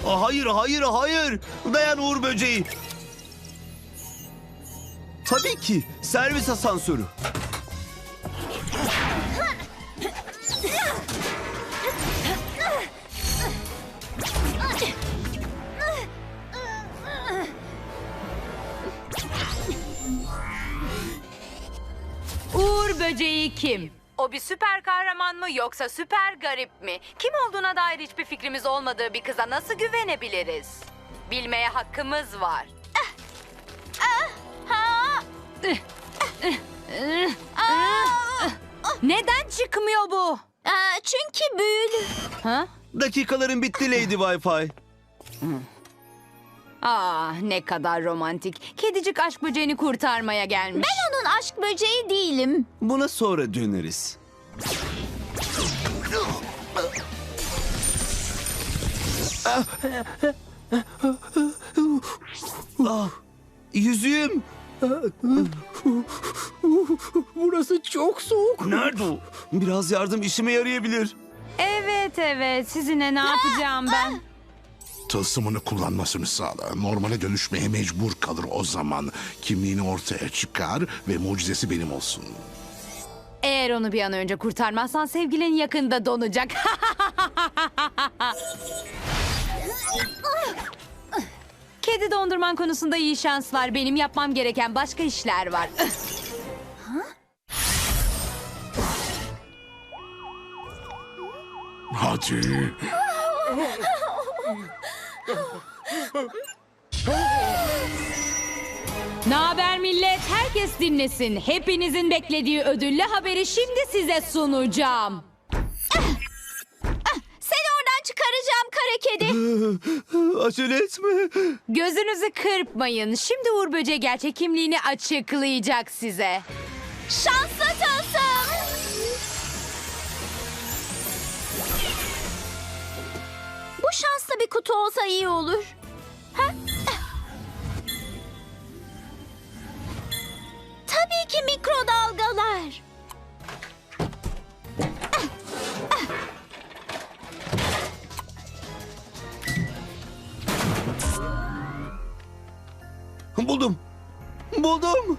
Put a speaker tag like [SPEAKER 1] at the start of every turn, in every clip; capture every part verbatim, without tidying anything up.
[SPEAKER 1] Aa, hayır, hayır, hayır. Dayan Uğur böceği. Tabii ki. Servis asansörü.
[SPEAKER 2] Uğur böceği kim? O bir süper kahraman mı yoksa süper garip mi? Kim olduğuna dair hiçbir fikrimiz olmadığı bir kıza nasıl güvenebiliriz? Bilmeye hakkımız var. Neden çıkmıyor bu?
[SPEAKER 3] Aa, çünkü büyülü.
[SPEAKER 2] Ha?
[SPEAKER 1] Dakikaların bitti Lady Wi-Fi.
[SPEAKER 2] Aa, ne kadar romantik. Kedicik aşk böceğini kurtarmaya gelmiş.
[SPEAKER 3] Ben onun aşk böceği değilim.
[SPEAKER 1] Buna sonra döneriz. Ah, yüzüğüm.
[SPEAKER 4] Burası çok soğuk.
[SPEAKER 1] Nerede o? Biraz yardım işime yarayabilir.
[SPEAKER 2] Evet evet, sizinle ne yapacağım ben?
[SPEAKER 5] Tılsımını kullanmasını sağla. Normale dönüşmeye mecbur kalır o zaman. Kimliğini ortaya çıkar ve mucizesi benim olsun.
[SPEAKER 2] Eğer onu bir an önce kurtarmazsan sevgilin yakında donacak. Kedi dondurman konusunda iyi şanslar. Benim yapmam gereken başka işler var.
[SPEAKER 5] Hadi.
[SPEAKER 2] Ne haber millet? Herkes dinlesin. Hepinizin beklediği ödüllü haberi şimdi size sunacağım.
[SPEAKER 3] Seni oradan çıkaracağım kara kedi.
[SPEAKER 1] Acele etme.
[SPEAKER 2] Gözünüzü kırpmayın. Şimdi Uğur Böceği gerçek kimliğini açıklayacak size.
[SPEAKER 3] Şanslı tılsım. Bu şanslı bir kutu olsa iyi olur. Ha? Tabii ki mikrodalgalar.
[SPEAKER 1] Buldum. Buldum.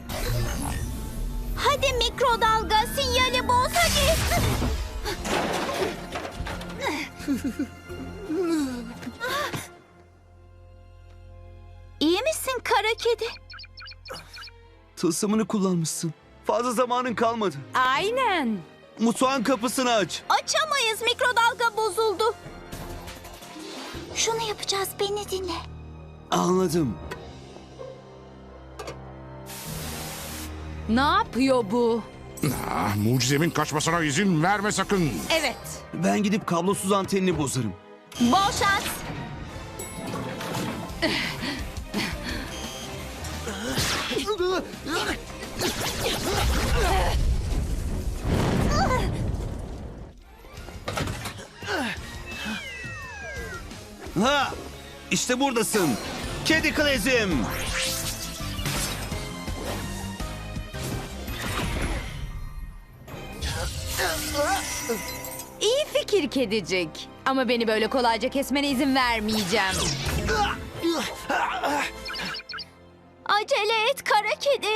[SPEAKER 3] Hadi mikrodalga sinyali boz hadi. İyi misin kara kedi?
[SPEAKER 1] Tılsımını kullanmışsın. Fazla zamanın kalmadı.
[SPEAKER 2] Aynen.
[SPEAKER 1] Mutfağın kapısını aç.
[SPEAKER 3] Açamayız, mikrodalga bozuldu. Şunu yapacağız, beni dinle.
[SPEAKER 1] Anladım.
[SPEAKER 2] Ne yapıyor bu?
[SPEAKER 5] Ah, mucizemin kaçmasına izin verme sakın.
[SPEAKER 2] Evet.
[SPEAKER 1] Ben gidip kablosuz antenini bozarım.
[SPEAKER 3] Bol şans.
[SPEAKER 1] Ha! İşte buradasın. Kedi Klezim.
[SPEAKER 2] İyi fikir kedicik. Ama beni böyle kolayca kesmene izin vermeyeceğim.
[SPEAKER 3] Acele et kara kedi.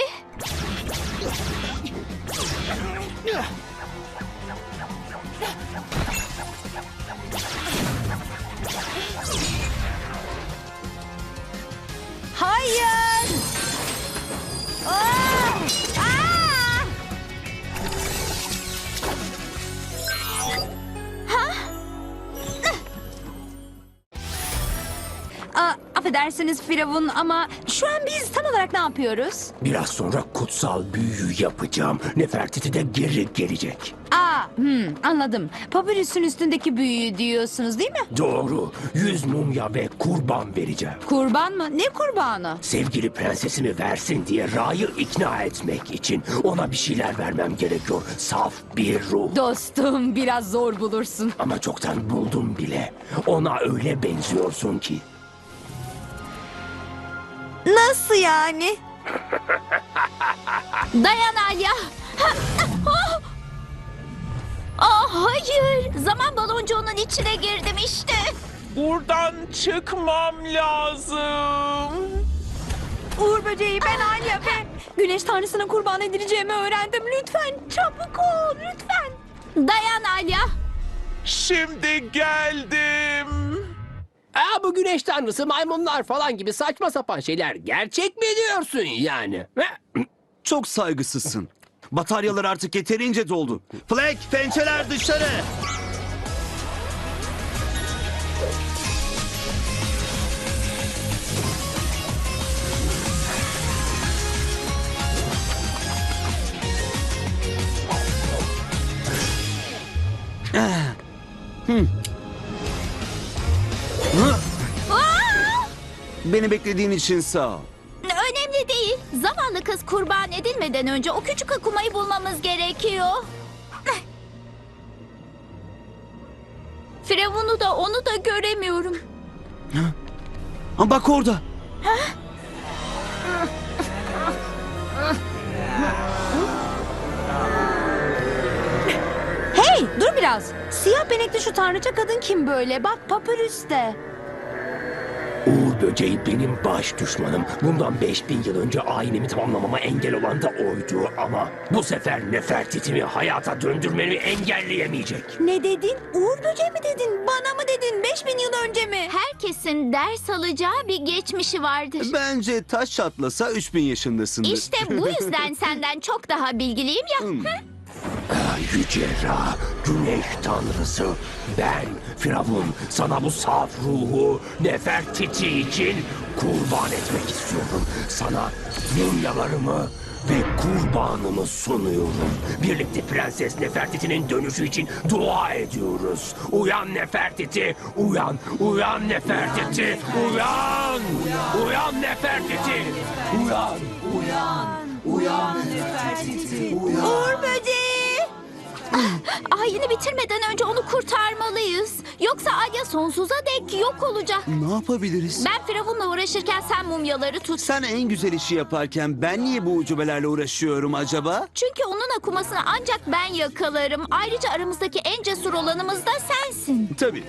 [SPEAKER 2] Hayır!
[SPEAKER 3] Aa! Aa!
[SPEAKER 2] Aa, affedersiniz Firavun ama şu an biz tam olarak ne yapıyoruz?
[SPEAKER 4] Biraz sonra kutsal büyü yapacağım. Nefertiti de geri gelecek.
[SPEAKER 2] Aa, hmm, anladım. Papyrus'un üstündeki büyüyü diyorsunuz değil mi?
[SPEAKER 4] Doğru. Yüz mumya ve kurban vereceğim.
[SPEAKER 2] Kurban mı? Ne kurbanı?
[SPEAKER 4] Sevgili prensesimi versin diye Ra'yı ikna etmek için ona bir şeyler vermem gerekiyor. Saf bir ruh.
[SPEAKER 2] Dostum biraz zor bulursun.
[SPEAKER 4] Ama çoktan buldum bile. Ona öyle benziyorsun ki.
[SPEAKER 3] Nasıl yani? Dayan Alya. Ah hayır. Zaman baloncuğunun içine girdim işte.
[SPEAKER 6] Buradan çıkmam lazım.
[SPEAKER 2] Uğur böceği, ben Alya ve güneş tanrısına kurban edileceğimi öğrendim. Lütfen çabuk ol, lütfen.
[SPEAKER 3] Dayan Alya.
[SPEAKER 6] Şimdi geldim.
[SPEAKER 4] Aa, bu güneş tanrısı, maymunlar falan gibi saçma sapan şeyler gerçek mi diyorsun yani? He?
[SPEAKER 1] Çok saygısızsın. Bataryalar artık yeterince doldu. Flag, pençeler dışarı. Ah. Hmm. Hı. Beni beklediğin için sağ ol.
[SPEAKER 3] Önemli değil. Zavallı kız kurban edilmeden önce o küçük akumayı bulmamız gerekiyor. Firavun'u da onu da göremiyorum.
[SPEAKER 1] Ha, bak orada.
[SPEAKER 2] Hey, dur biraz. Siyah benekli şu tanrıça kadın kim böyle? Bak papyrus'te.
[SPEAKER 4] Uğur böceği benim baş düşmanım. Bundan beş bin yıl önce ayinimi tamamlamama engel olan da oydu ama bu sefer Nefertiti'mi hayata döndürmemi engelleyemeyecek.
[SPEAKER 2] Ne dedin? Uğur böceği mi dedin? Bana mı dedin? Beş bin yıl önce mi?
[SPEAKER 3] Herkesin ders alacağı bir geçmişi vardır.
[SPEAKER 1] Bence taş çatlasa üç bin yaşındasındır.
[SPEAKER 3] İşte bu yüzden senden çok daha bilgiliyim ya.
[SPEAKER 1] Hmm.
[SPEAKER 4] Ah, Yüce Ra, güneş tanrısı, ben Firavun sana bu saf ruhu Nefertiti için kurban etmek istiyorum. Sana mumyalarımı ve kurbanımı sunuyorum. Birlikte Prenses Nefertiti'nin dönüşü için dua ediyoruz. Uyan Nefertiti, uyan, uyan Nefertiti, uyan, uyan Nefertiti, uyan, uyan, uyan Nefertiti, uyan.
[SPEAKER 3] Uğur böceği. Ah, ayini bitirmeden önce onu kurtarmalıyız. Yoksa Alya sonsuza dek yok olacak.
[SPEAKER 1] Ne yapabiliriz?
[SPEAKER 3] Ben Firavun'la uğraşırken sen mumyaları tut.
[SPEAKER 1] Sen en güzel işi yaparken ben niye bu ucubelerle uğraşıyorum acaba?
[SPEAKER 3] Çünkü onun akumasını ancak ben yakalarım. Ayrıca aramızdaki en cesur olanımız da sensin.
[SPEAKER 1] Tabii.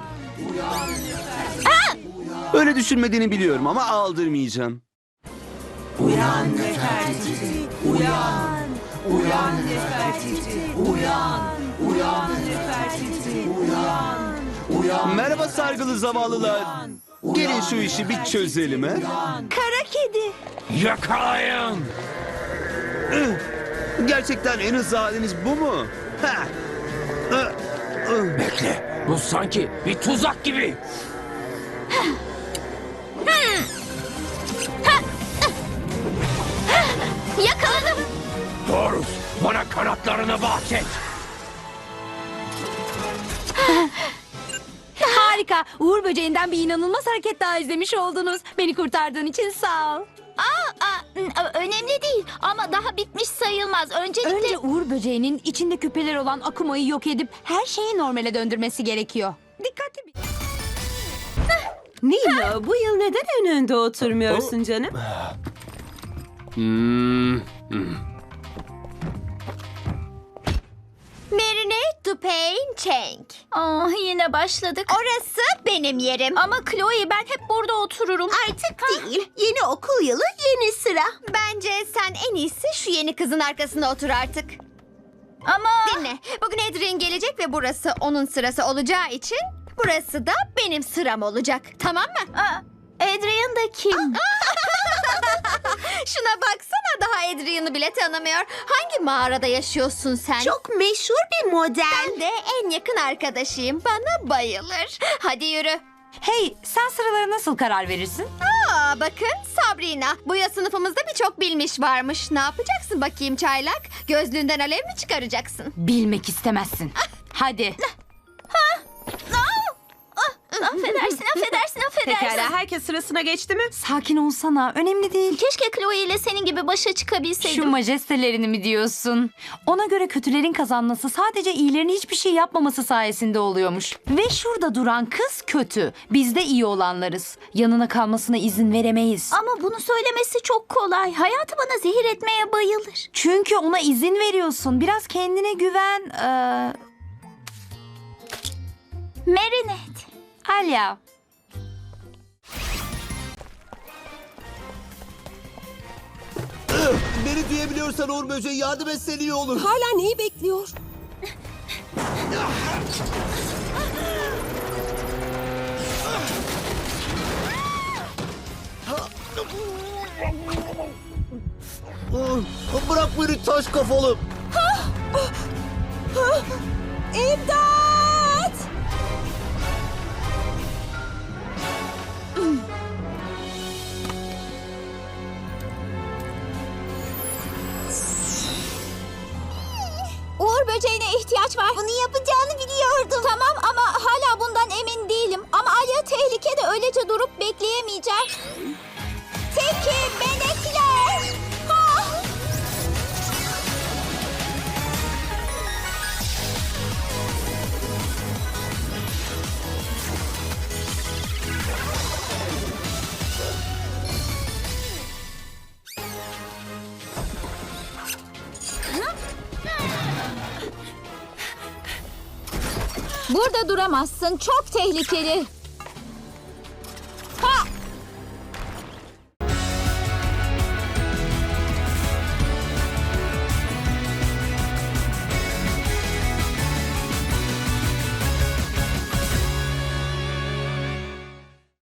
[SPEAKER 1] Öyle düşünmediğini biliyorum ama aldırmayacağım.
[SPEAKER 7] Uyan Nefertiti, uyan, uyan Nefertiti, uyan, uyan Nefertiti, uyan, uyan.
[SPEAKER 1] Merhaba sargılı zavallılar. Gelin şu işi bir çözelim he.
[SPEAKER 2] Kara kedi.
[SPEAKER 4] Yakalayın!
[SPEAKER 1] Gerçekten en hızlı haliniz bu mu? Ha. Ih, ih.
[SPEAKER 4] Bekle, bu sanki bir tuzak gibi.
[SPEAKER 3] Yakaladım.
[SPEAKER 4] Horus, bana kanatlarını bahşet.
[SPEAKER 2] Harika. Uğur böceğinden bir inanılmaz hareket daha izlemiş oldunuz. Beni kurtardığın için sağ ol.
[SPEAKER 3] Aa, aa, n- önemli değil ama daha bitmiş sayılmaz. Öncelikle...
[SPEAKER 2] Önce Uğur böceğinin içinde küpeler olan akumayı yok edip her şeyi normale döndürmesi gerekiyor. Dikkatli bir...
[SPEAKER 8] Nilo, bu yıl neden en önde oturmuyorsun canım?
[SPEAKER 3] Marinate to pain change. Ah, yine başladık. Orası benim yerim. Ama Chloe, ben hep burada otururum.
[SPEAKER 9] Artık değil. Yeni okul yılı, yeni sıra. Bence sen en iyisi şu yeni kızın arkasında otur artık.
[SPEAKER 3] Ama...
[SPEAKER 9] Dinle. Bugün Adrian gelecek ve burası onun sırası olacağı için burası da benim sıram olacak. Tamam mı?
[SPEAKER 3] Aa, Adrian da kim?
[SPEAKER 9] Şuna baksana, daha Adrian'ı bile tanımıyor. Hangi mağarada yaşıyorsun sen?
[SPEAKER 7] Çok meşhur bir model.
[SPEAKER 9] Ben de en yakın arkadaşıyım. Bana bayılır. Hadi yürü.
[SPEAKER 2] Hey, sen sıralara nasıl karar verirsin?
[SPEAKER 9] Aa, bakın Sabrina. Bu yaz sınıfımızda birçok bilmiş varmış. Ne yapacaksın bakayım çaylak? Gözlüğünden alev mi çıkaracaksın?
[SPEAKER 2] Bilmek istemezsin. Hadi.
[SPEAKER 3] Affedersin, affedersin, affedersin.
[SPEAKER 8] Pekala, herkes sırasına geçti mi?
[SPEAKER 2] Sakin olsana. Önemli değil.
[SPEAKER 3] Keşke Chloe ile senin gibi başa çıkabilseydim.
[SPEAKER 2] Şu majestelerini mi diyorsun? Ona göre kötülerin kazanması sadece iyilerin hiçbir şey yapmaması sayesinde oluyormuş. Ve şurada duran kız kötü. Biz de iyi olanlarız. Yanına kalmasına izin veremeyiz.
[SPEAKER 3] Ama bunu söylemesi çok kolay. Hayatı bana zehir etmeye bayılır.
[SPEAKER 2] Çünkü ona izin veriyorsun. Biraz kendine güven. Ee...
[SPEAKER 3] Marinette.
[SPEAKER 2] Alya.
[SPEAKER 1] Beni duyabiliyorsan Uğur Böceği yardım etsen iyi olur.
[SPEAKER 7] Hala neyi bekliyor?
[SPEAKER 1] Bırak beni taş kafalı.
[SPEAKER 7] İmdat!
[SPEAKER 3] Uğur böceğine ihtiyaç var. Bunu yapacağını biliyordum. Tamam ama hala bundan emin değilim. Ama Alya tehlikede öylece durup bekleyemeyeceğim. Teki, benekler. Ah! Burada duramazsın. Çok tehlikeli.